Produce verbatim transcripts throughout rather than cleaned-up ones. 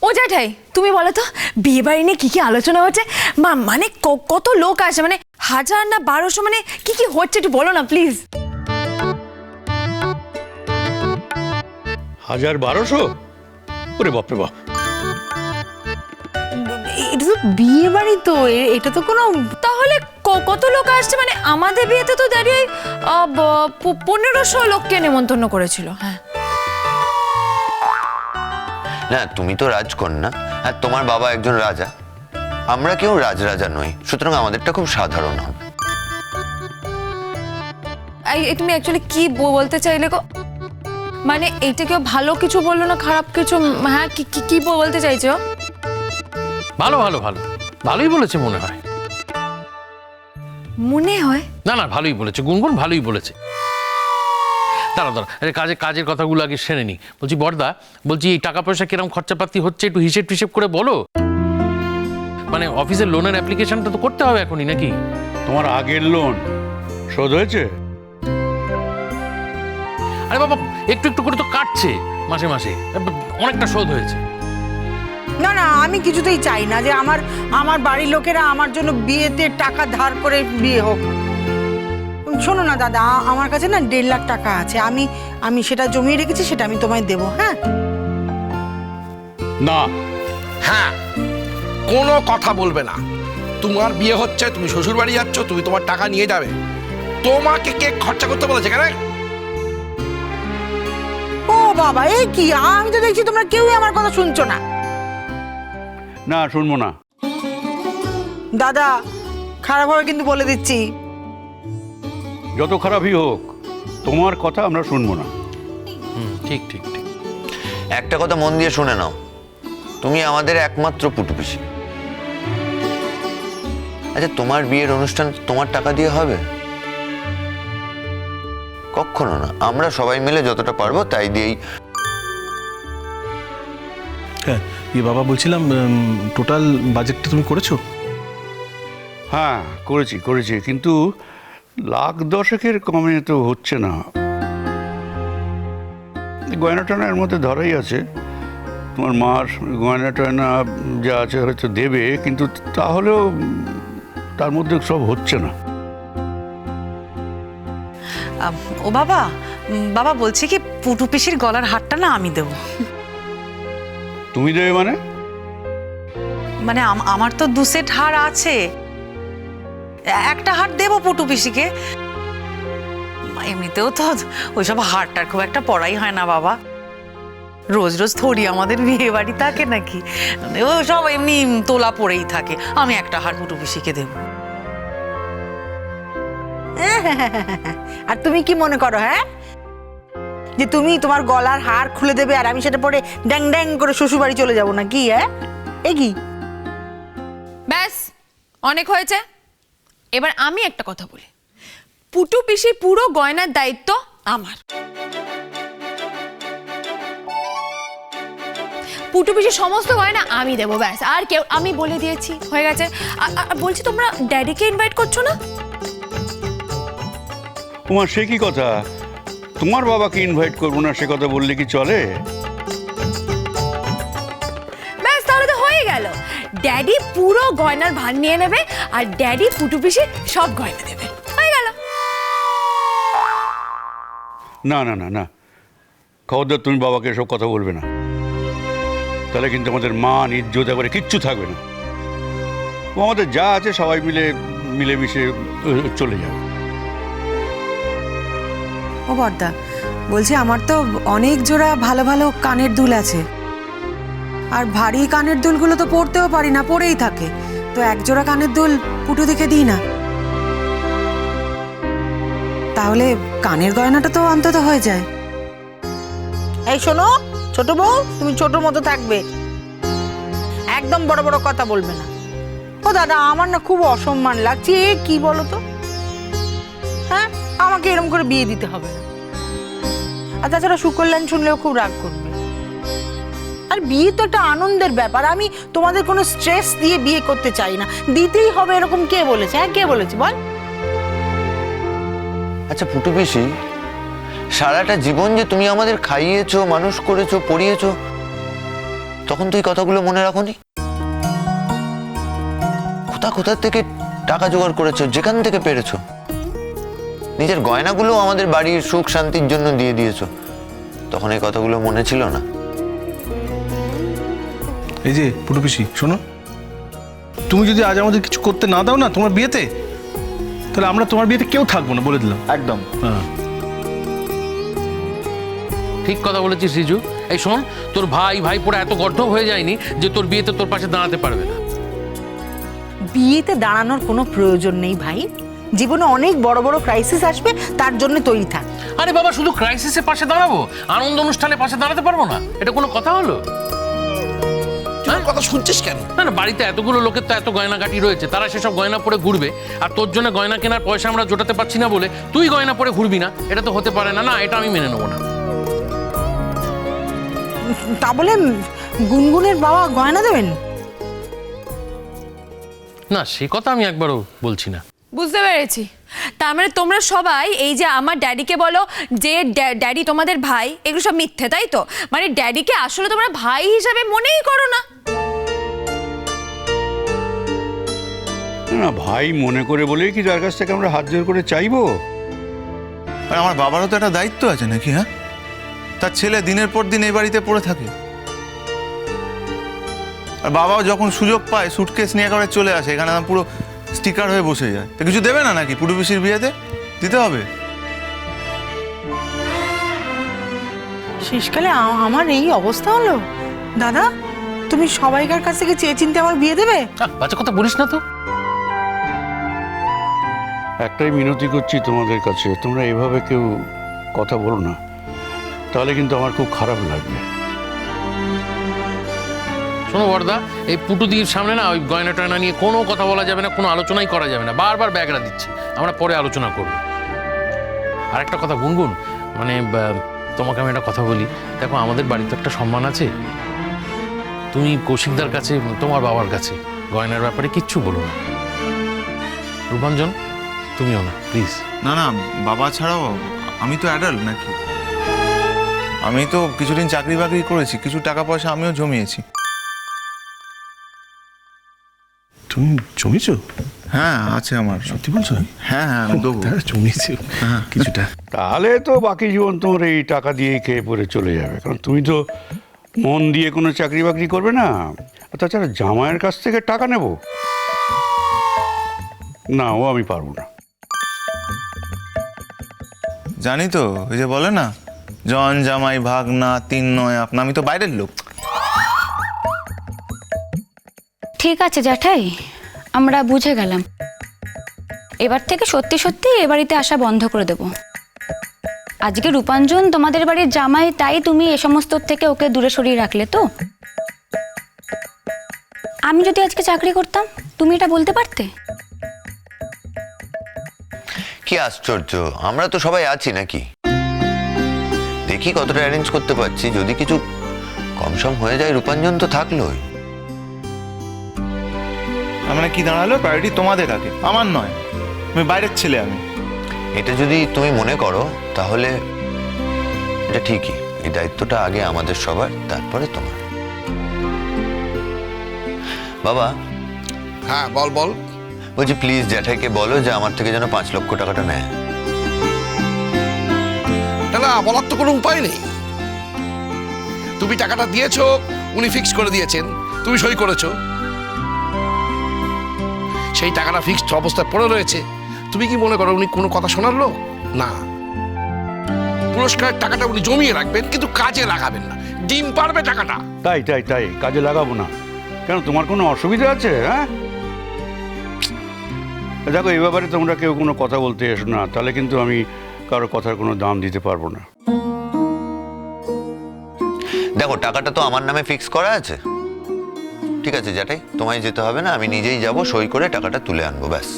ও জ্যাঠাই তুমি বলো তো বিয়ে বাড়ি নিয়ে কি কি আলোচনা হচ্ছে? মা মানে কত লোক আসে, মানে হাজার না বারোশো, মানে কি কি হচ্ছে একটু বলো না প্লিজ। হাজার বারোশো? ওরে বাপরে বাপ, এটা তো বিয়ে বাড়ি, তো এটা তো কোনো, তাহলে কত লোক আসছে? মানে আমাদের বিয়েতে তো দাঁড়িয়ে পনেরোশো লোককে নেমন্তন্ন করেছিল। হ্যাঁ না, তুমি তো রাজকন্যা আর তোমার বাবা একজন রাজা, আমরা কেউ রাজরাজা নই, সুতরাং আমাদেরটা খুব সাধারণ হবে। তুমি অ্যাকচুয়ালি কি বলতে চাইলে গো? মানে এইটা কেউ ভালো কিছু বললো না খারাপ কিছু? হ্যাঁ কি কি বলতে চাইছো? ভালো ভালো ভালো ভালোই বলেছে মনে হয়। মনে হয় না না, ভালোই বলেছে গুনগুন, ভালোই বলেছে। দাঁড়া দাঁড়া, আরে কাজে কাজের কথাগুলো আগে সেরে নি। বলছি বড়দা, বলছি এই টাকা পয়সা কিরকম খরচাপাতি হচ্ছে একটু হিসেব টিসেব করে বলো। মানে অফিসের লোনের অ্যাপ্লিকেশনটা তো করতে হবে এখনই নাকি? তোমার আগের লোন শোধ হয়েছে? আরে বাবা, একটু একটু করে তো কাটছে মাসে মাসে, অনেকটা শোধ হয়েছে। না না, আমি কিছুতেই চাই না যে আমার আমার বাড়ির লোকেরা আমার জন্য বিয়েতে টাকা ধার করে বিয়ে হোক। শোনো না দাদা, আমার কাছে না দেড় লাখ টাকা আছে, আমি আমি সেটা জমিয়ে রেখেছি, সেটা আমি তোমায় দেবো। হ্যাঁ না। হ্যাঁ, কোনো কথা বলবে না। তোমার বিয়ে হচ্ছে, তুমি শ্বশুর বাড়ি যাচ্ছ, তুমি তোমার টাকা নিয়ে যাবে। তোমাকে কে খরচা করতে বলেছে কেন? ও বাবা, এই কি, আমি তো দেখছি তোমরা কেউই আমার কথা শুনছো না। না, শুনবো না। দাদা খারাপ হবে কিন্তু বলে দিচ্ছি। যত খারাপই হোক, তোমার কথা আমরা শুনবো না। হুম, ঠিক ঠিক ঠিক। একটা কথা মন দিয়ে শুনে নাও, তুমি আমাদের একমাত্র পুটুপিসি। আচ্ছা, তোমার বিয়ের অনুষ্ঠান তোমার টাকা দিয়ে হবে? কখনো না, আমরা সবাই মিলে যতটা পারবো তাই দিয়েই। হ্যাঁ ইয়ে বাবা, বলছিলাম টোটাল বাজেটটা তুমি করেছো? হ্যাঁ করেছি করেছি, কিন্তু লাখ দশেকের কমে তো হচ্ছে না। গয়না টয়নার মধ্যে ধরাই আছে, তোমার মার গয়না টয়না যা আছে হয়তো দেবে, কিন্তু তাহলেও তার মধ্যে সব হচ্ছে না। ও বাবা, বাবা বলছি কি, পুটু পিসির গলার হারটা না আমি দেবো। তুমি দেবে মানে? মানে আমার তো দু সেট হার আছে, একটা হার দেবো পুটু পিসিকে। এমনিতেও তো ওইসব হারটার খুব একটা পড়াই হয় না বাবা, রোজ রোজ থরি আমাদের বিয়ে বাড়ি থাকে নাকি, ও সব এমনি তোলা পড়েই থাকে। আমি একটা হার পুটু পিসিকে দেবো। আর তুমি কি মনে করো, হ্যাঁ, যে তুমি তোমার গলার হার খুলে দেবে আর আমি সেটা পরে ড্যাং ড্যাং করে শ্বশুর বাড়ি চলে যাবো না কি? হ্যাঁ, এ কি? ব্যাস অনেক হয়েছে। এবার আমি একটা কথা বলি, পুটু পিসির পুরো গয়নার দায়িত্ব আমার। পুটু পিসির সমস্ত গয়না আমি দেবো, ব্যাস। আর কেউ, আমি বলে দিয়েছি, হয়ে গেছে। বলছি তোমরা ড্যাডিকে ইনভাইট করছো না? তোমার সে কি কথা? তোমার বাবাকে ইনভাইট করবো না সে কথা বললে কি চলে? ব্যাস, তাহলে তো হয়ে গেল। ড্যাডি পুরো গয়নার ভার নিয়ে নেবে আর ড্যাডি পুটু পিসি সব গয়না দেবে, হয়ে গেল। না না না না, খবরদার তুমি বাবাকে এসব কথা বলবে না, তাহলে কিন্তু আমাদের মান ইজ্জত এবারে কিচ্ছু থাকবে না। ও আমাদের যা আছে সবাই মিলে মিলেমিশে চলে যাবে। ও বর্দা, বলছি আমার তো অনেক জোড়া ভালো ভালো কানের দুল আছে, আর ভারী কানের দুলগুলো তো পরতেও পারি না, পরেই থাকে। তো এক জোড়া কানের দুল পুটু দিকে দিই না, তাহলে কানের গয়নাটা তো অন্তত হয়ে যায়। এই শোনো ছোট বউ, তুমি ছোট মতো থাকবে, একদম বড় বড় কথা বলবে না। ও দাদা, আমার না খুব অসম্মান লাগছে। এ কি বলো তো, হ্যাঁ, আমাকে এরকম করে বিয়ে দিতে হবে না। আর তাছাড়া সুকল্যাণ শুনলেও খুব রাগ করবে। আর বিয়ে তো একটা আনন্দের ব্যাপার, আমি তোমাদের কোনো স্ট্রেস দিয়ে বিয়ে করতে চাই না। দিতেই হবে এরকম কে বলেছে? হ্যাঁ, কে বলেছে বল? আচ্ছা পুটুপিসি, সারাটা জীবন যে তুমি আমাদের খাইয়েছো, মানুষ করেছো, পড়িয়েছো, তখন তুই কথাগুলো মনে রাখোনি? কোথা কোথা থেকে টাকা জোগাড় করেছো, যেখান থেকে পেরেছো। নিজের গয়নাগুলো আমাদের বাড়ির সুখ শান্তির জন্য দিয়ে দিয়েছো, তখন এই কথাগুলো মনে ছিল না? এই যে পুটু পিসি শোনো, তুমি যদি আজ আমাদের কিছু করতে না দাও না তোমার বিয়েতে, তাহলে আমরা তোমার বিয়েতে কেউ থাকবো না, বলে দিলাম একদম। হ্যাঁ, ঠিক কথা বলেছিস রিজু। এই শোন, তোর ভাই ভাই পড়ে এত গর্ধব হয়ে যায়নি যে তোর বিয়েতে তোর পাশে দাঁড়াতে পারবে না। বিয়েতে দাঁড়ানোর কোনো প্রয়োজন নেই ভাই। জীবনে অনেক বড় বড় ক্রাইসিস আসবে, তার জন্য তৈরি থাক। আরে বাবা, শুধু ক্রাইসিসের পাশে দাঁড়াবো, আনন্দ অনুষ্ঠানে পাশে দাঁড়াতে পারবো না? এটা কোনো কথা হলো? তুই ওর কথা শুনছিস কেন? না না, বাড়িতে এতগুলো লোকের তো এত গয়নাগাটি রয়েছে, তারা সেসব গয়না পরে ঘুরবে, আর তোর জন্য গয়না কেনার পয়সা আমরা জোটাতে পারছি না বলে তুই গয়না পরে ঘুরবি না? এটা তো হতে পারে না। না, এটা আমি মেনে নেবো না। তা বলে গুনগুনের বাবা গয়না দেবেন? না, সে কথা আমি একবারও বলছি না। বুঝতে পেরেছি। তার মানে তোমরা সবাই এই যে আমার ড্যাডিকে বলো যে ড্যা- ড্যাডি তোমাদের ভাই, এগুলো সব মিথ্যে, তাই তো? মানে ড্যাডিকে আসলে তোমরা ভাই হিসাবে মনেই করো না। না, ভাই মনে করে বলেই কি যার কাছ থেকে আমরা হাত জোর করে চাইবো? আর আমার বাবারও তো একটা দায়িত্ব আছে নাকি? হ্যাঁ, তার ছেলে দিনের পর দিন এই বাড়িতে পড়ে থাকে, আর বাবাও যখন সুযোগ পায় সুটকেস নিয়ে করে চলে আসে এখানে, আমার পুরো স্টিকার হয়ে বসে যায়। তো কিছু দেবে না নাকি পুটু পিসির বিয়েতে? দিতে হবে। শেষকালে আ- আমার এই অবস্থা হলো। দাদা, তুমি সবাইকার কাছ থেকে চেয়ে চিনতে আমার বিয়ে দেবে? আহ, বাজে কথা বলিস না তো। একটাই মিনতি করছি তোমাদের কাছে, তোমরা এভাবে কেউ কথা বলো না, তাহলে কিন্তু আমার খুব খারাপ লাগবে। শোনো বর্দা, এই পুটুদির সামনে না ওই গয়না টয়না নিয়ে কোনো কথা বলা যাবে না, কোনো আলোচনাই করা যাবে না। বারবার ব্যাগরা দিচ্ছে, আমরা পরে আলোচনা করব। আর একটা কথা গুনগুন, মানে বা- তোমাকে আমি একটা কথা বলি। দেখো, আমাদের বাড়িতে একটা সম্মান আছে। তুমি কৌশিকদার কাছে, তোমার বাবার কাছে গয়নার ব্যাপারে কিচ্ছু বলো না। রূপাঞ্জন, তুমিও না প্লিজ। না না, বাবা ছাড়াও আমি তো অ্যাডাল্ট নাকি? আমি তো কিছুদিন চাকরি বাকরি করেছি, কিছু টাকা পয়সা আমিও জমিয়েছি। তুমি জমিয়েছো? হ্যাঁ, আছে আমার। সত্যি বলছো? হ্যাঁ হ্যাঁ, আমি দেবো। হ্যাঁ, জমিয়েছি কিছুটা। তাহলে তো বাকি জীবন তোমার এই টাকা দিয়েই খেয়ে পরে চলে যাবে, কারণ তুমি তো মন দিয়ে কোনো চাকরি বাকরি করবে না। আর তাছাড়া জামাইয়ের কাছ থেকে টাকা নেব না, ও আমি পারবো না। জানি তো, ওই যে বলে না, জন জামাই ভাগ না, তিন নয় আপনা। আমি তো বাইরের লোক। ঠিক আছে জ্যাঠাই, আমরা বুঝে গেলাম। এবার থেকে সত্যি সত্যি এ বাড়িতে আসা বন্ধ করে দেব। আজকে রূপাঞ্জন তোমাদের বাড়ির জামাই, তাই তুমি এ সমস্ত থেকে ওকে দূরে সরিয়ে রাখলে তো? আমি যদি আজকে চাকরি করতাম, তুমি এটা বলতে পারতে? কি আশ্চর্য, আমরা তো সবাই আছি নাকি? দেখি কতটা অ্যারেঞ্জ করতে পারছি। যদি কিছু কমসম হয়ে যায়, রূপাঞ্জন তো থাকলোই। মানে কি দাঁড়ালো, প্রায়োরিটি তোমাদের আগে, আমার নয়। আমি বাইরের ছেলে। আমি এটা যদি তুমি মনে করো তাহলে এটা ঠিকই। এই দায়িত্বটা আগে আমাদের সবার, তারপরে তোমার। বাবা, হ্যাঁ বল বল। বলছি প্লিজ জ্যাঠাইকে বলো যে আমার থেকে যেন পাঁচ লক্ষ টাকাটা নেয়। না না, বলার তো কোনো উপায় নেই। তুমি টাকাটা দিয়েছো, উনি ফিক্স করে দিয়েছেন, তুমি সই করেছো, সেই টাকাটা ফিক্সড অবস্থায় পড়ে রয়েছে। তুমি কি মনে করো উনি কোনো কথা শোনার লোক? না, পুরস্কারের টাকাটা উনি জমিয়ে রাখবেন, কিন্তু কাজে লাগাবেন না। ডিম পারবে টাকাটা। তাই তাই তাই কাজে লাগাবো না কেন? তোমার কোনো অসুবিধা আছে? হ্যাঁ, দেখো, এই ব্যাপারে তোমরা কেউ কোনো কথা বলতে এসো না, তাহলে কিন্তু আমি কারো কথার কোনো দাম দিতে পারবো না। দেখো, টাকাটা তো আমার নামে ফিক্স করা আছে। ঠিক আছে জ্যাঠাই, তোমায় যেতে হবে না, আমি নিজেই যাব, সই করে টাকাটা তুলে আনবো, ব্যাস।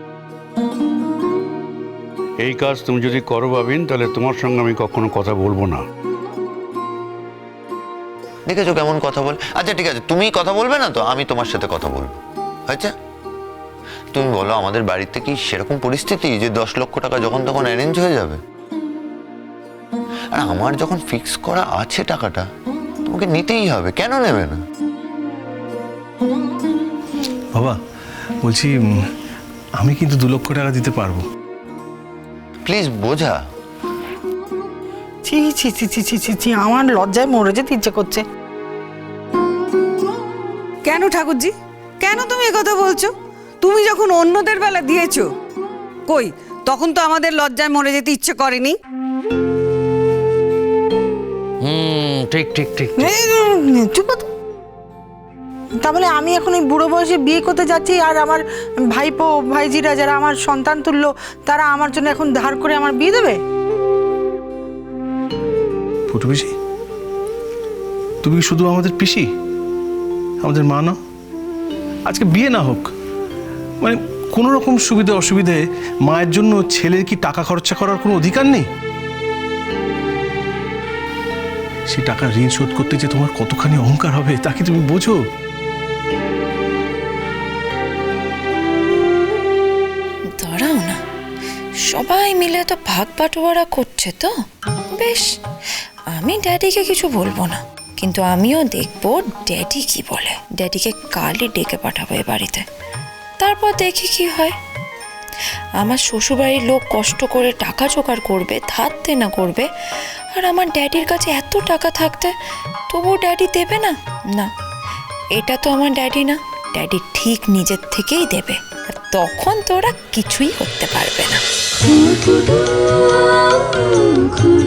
এই কাজ তুমি যদি করো ভাবিন, তাহলে তোমার সঙ্গে আমি কখনো কথা বলবো না। দেখেছো কেমন কথা বল। আচ্ছা ঠিক আছে, তুমি কথা বলবে না তো, আমি তোমার সাথে কথা বলবো। আচ্ছা, তুমি বলো, আমাদের বাড়িতে কি সেরকম পরিস্থিতি যে দশ লক্ষ টাকা যখন তখন অ্যারেঞ্জ হয়ে যাবে? আর আমার যখন ফিক্স করা আছে টাকাটা, তোমাকে নিতেই হবে, কেন নেবে না? বাবা বলছি উম, আমি কিন্তু দু লক্ষ টাকা দিতে পারবো। প্লিজ বোঝা। ছি ছি ছি ছি ছি ছি ছি আমার লজ্জায় মরে যেতে ইচ্ছে করছে। কেন ঠাকুরজি, কেন তুমি একথা বলছো? তুমি যখন অন্যদের বেলা দিয়েছো, কই তখন তো আমাদের লজ্জায় মরে যেতে ইচ্ছে করেনি। হুম ঠিক ঠিক ঠিক এই, চুপ কর তো। তাহলে আমি এখন এই বুড়ো বয়সে বিয়ে করতে যাচ্ছি, আর আমার ভাইপো ভাইজিরা যারা আমার সন্তান তুল্য, তারা আমার জন্য এখন ধার করে আমার বিয়ে দেবে? ফুটু পিসি, তুমি কি শুধু আমাদের পিসি, আমাদের মা না? আজকে বিয়ে না হোক, মানে কোনো রকম সুবিধা অসুবিধে মায়ের জন্য ছেলের কি টাকা খরচা করার কোনো অধিকার নেই? সেই টাকার ঋণ শোধ করতে যে তোমার কতখানি অহংকার হবে তা কি তুমি বোঝো? দাঁড়াও না, সবাই মিলে তো ভাগ বাটোয়ারা করছে তো বেশ, আমি ড্যাডিকে কিছু বলবো না, কিন্তু আমিও দেখবো ড্যাডি কি বলে। ড্যাডিকে কালই ডেকে পাঠাবো এ বাড়িতে, তারপর দেখি কি হয়। আমার শ্বশুরবাড়ির লোক কষ্ট করে টাকা জোগাড় করবে, ধার দেনা করবে, আর আমার ড্যাডির কাছে এত টাকা থাকতে তবুও ড্যাডি দেবে না। না, এটা তো আমার ড্যাডি না, ড্যাডি ঠিক নিজের থেকেই দেবে, আর তখন তোরা কিছুই করতে পারবে না।